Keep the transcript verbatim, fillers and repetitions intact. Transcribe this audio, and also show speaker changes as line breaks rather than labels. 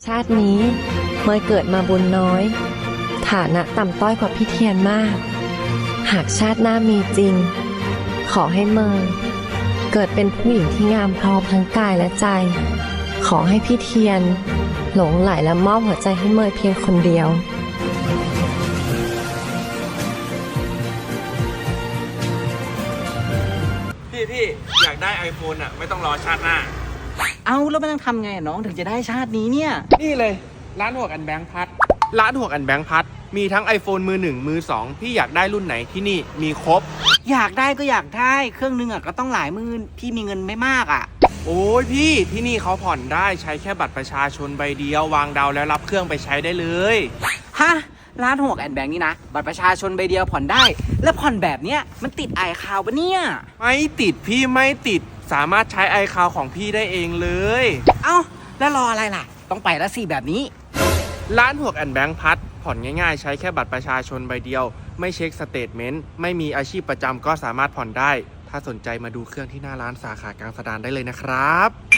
ชาตินี้เมยเกิดมาบุญน้อย ฐานะต่ำต้อยกว่าพี่เทียนมาก หากชาติหน้ามีจริง ขอให้เมยเกิดเป็นผู้หญิงที่งามพร้อมทั้งกายและใจ ขอให้พี่เทียนหลงไหลและมอบหัวใจให้เมยเพียงคนเดียว
พี่พี่อยากได้ iPhone อ่ะไม่ต้องรอชาติหน้า
เอาแล้วมันต้องทำไงน้องถึงจะได้ชาตินี้เนี่ย
นี่เลยร้านหวกอันแบงค์พัดร้านหวกอันแบงค์พัดมีทั้ง iPhone มือหนึ่งมือสองพี่อยากได้รุ่นไหนที่นี่มีครบ
อยากได้ก็อยากได้เครื่องนึงอ่ะก็ต้องหลายหมื่นพี่มีเงินไม่มากอ่ะ
โอ้ยพี่ที่นี่เขาผ่อนได้ใช้แค่บัตรประชาชนใบเดียววางดาวแล้วรับเครื่องไปใช้ได้เลย
ฮะร้านหกแอนแบงค์นี่นะบัตรประชาชนใบเดียวผ่อนได้ แล้วผ่อนแบบเนี้ยมันติดไอคาวปะเนี่ย
ไม่ติดพี่ไม่ติดสามารถใช้ไอคาวของพี่ได้เองเลย
เอ้าแล้วรออะไรล่ะ ต้องไปแล้วสิแบบนี้
ร้านหวกแอนแบงค์พัดผ่อนง่ายๆใช้แค่บัตรประชาชนใบเดียวไม่เช็คสเตทเมนต์ไม่มีอาชีพประจำก็สามารถผ่อนได้ถ้าสนใจมาดูเครื่องที่หน้าร้านสาขากลางสะดานได้เลยนะครับ